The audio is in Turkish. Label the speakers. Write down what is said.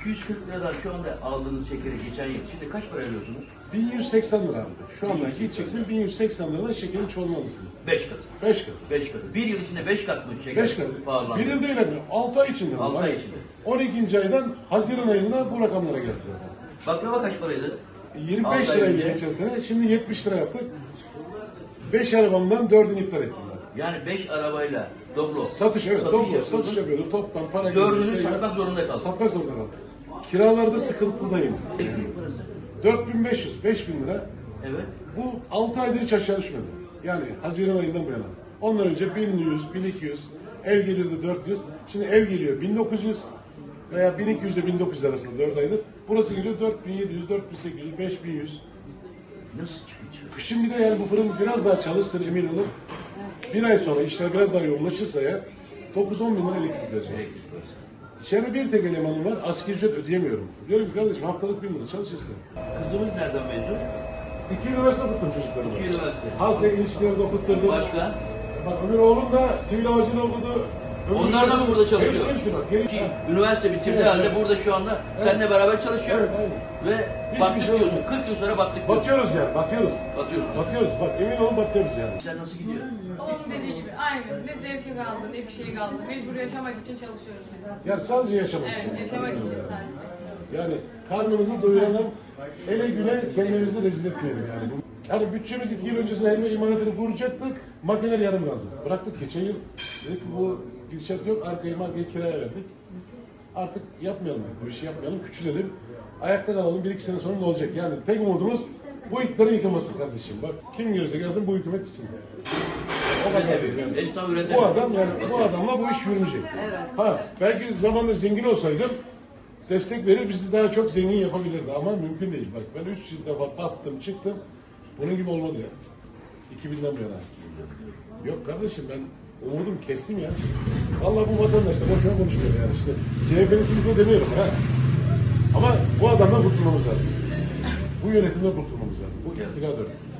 Speaker 1: 240 liradan şu anda aldığınız şekeri geçen yıl şimdi kaç para veriyorsunuz?
Speaker 2: 1180 lira abi. Şu anda gideceksin 1180 liradan şekerin çoğalmalısın.
Speaker 1: 5 katı.
Speaker 2: 5 kat.
Speaker 1: 5 katı. Bir yıl içinde 5 kat mı şeker
Speaker 2: 5 kat.
Speaker 1: pahalandı?
Speaker 2: Bir yıl değil abi. 6 ay içinde.
Speaker 1: 6 ay içinde.
Speaker 2: 12. aydan Haziran ayında bu rakamlara geldi zaten.
Speaker 1: Baklava kaç paraydı?
Speaker 2: 25
Speaker 1: 6 ay
Speaker 2: liraydı
Speaker 1: önce.
Speaker 2: geçen sene. Şimdi 70 lira yaptık. 5 arabamdan 4'ünü iptal ettim ben.
Speaker 1: Yani 5 arabayla Doblo.
Speaker 2: Satış evet.
Speaker 1: Satış
Speaker 2: Doblo.
Speaker 1: yapıyordun.
Speaker 2: Satış yapıyordu. Toptan para
Speaker 1: Dördünü
Speaker 2: gelirse
Speaker 1: satmak zorunda kaldın.
Speaker 2: satmak zorunda kaldım. Kiralarda sıkıntıdayım.
Speaker 1: Elektrik parası.
Speaker 2: 4500, 5000 lira.
Speaker 1: Evet.
Speaker 2: Bu 6 aydır hiç aşağı düşmedi. Yani Haziran ayından bu yana. Ondan önce 1100, 1200, ev gelirdi 400. Şimdi ev geliyor 1900 veya 1200 ile 1900 arasında 4 aydır. Burası geliyor 4700, 4800, 5100.
Speaker 1: Nasıl çıkıyor?
Speaker 2: Kışın bir de yani bu fırın biraz daha çalışsın emin olun. Bir ay sonra işler biraz daha yoğunlaşırsa ya 9-10 bin lira elektrik verecek. İçeride bir tek elemanım var, asgari ücret ödeyemiyorum. Diyorum ki kardeşim haftalık 1000 lira çalışırsın.
Speaker 1: Kızımız nereden mezun?
Speaker 2: 2 üniversite okuttum çocuklarımı.
Speaker 1: 2 üniversite.
Speaker 2: Halkla ilişkileri de okutturdum.
Speaker 1: Başka?
Speaker 2: Bak öbür oğlum da sivil havacılığı okudu. Öbür
Speaker 1: Onlar da mı burada çalışıyor?
Speaker 2: Hepsi bak. Geri...
Speaker 1: Ki üniversite bitirdiği
Speaker 2: Evet,
Speaker 1: halde
Speaker 2: evet.
Speaker 1: burada şu anda seninle beraber çalışıyor.
Speaker 2: Evet, aynen.
Speaker 1: Ve
Speaker 2: Hiçbir
Speaker 1: battık
Speaker 2: şey
Speaker 1: diyorsun.
Speaker 2: yok.
Speaker 1: 40 yıl sonra battık diyorsun.
Speaker 2: Bakıyoruz yani, bakıyoruz.
Speaker 1: Batıyoruz.
Speaker 2: Bakıyoruz, bak emin olun bakıyoruz yani.
Speaker 1: Sen nasıl gidiyor?
Speaker 3: Onun dediği gibi aynı. Ne zevki kaldı ne bir şey kaldı. Mecbur yaşamak için çalışıyoruz.
Speaker 2: Yani sadece yaşamak için.
Speaker 3: Evet, yaşamak için sadece.
Speaker 2: Yani karnımızı doyuralım, ele güne kendimizi rezil etmeyelim yani. Yani bütçemiz 2 yıl öncesinde helva imalatını kuracaktık, makineler yarım kaldı. Bıraktık geçen yıl, dedik ki bu gidişat yok, arkayı markayı kiraya verdik. Artık yapmayalım, bu işi yapmayalım, küçülelim. Ayakta kalalım, 1-2 sene sonra ne olacak? Yani tek umudumuz bu iktidarın yıkılması kardeşim. Bak kim görürse gelsin bu hükümet gitsin. O kadar yani.
Speaker 1: Esnaf üretemiyor.
Speaker 2: Bu adam yani bu adamla bu iş yürümeyecek.
Speaker 3: Evet.
Speaker 2: Ha belki zamanında zengin olsaydım destek verir bizi daha çok zengin yapabilirdi ama mümkün değil. Bak ben 3 yıl defa battım çıktım. Bunun gibi olmadı ya. 2000'den bu yana. Yok kardeşim ben umudum kestim ya. Vallahi bu vatandaş da boşuna konuşmuyor yani işte. CHP'lisiniz de demiyorum ha. Ama bu adamdan kurtulmamız lazım. Bu yönetimden kurtulmamız lazım. Bu iktidar dönemi.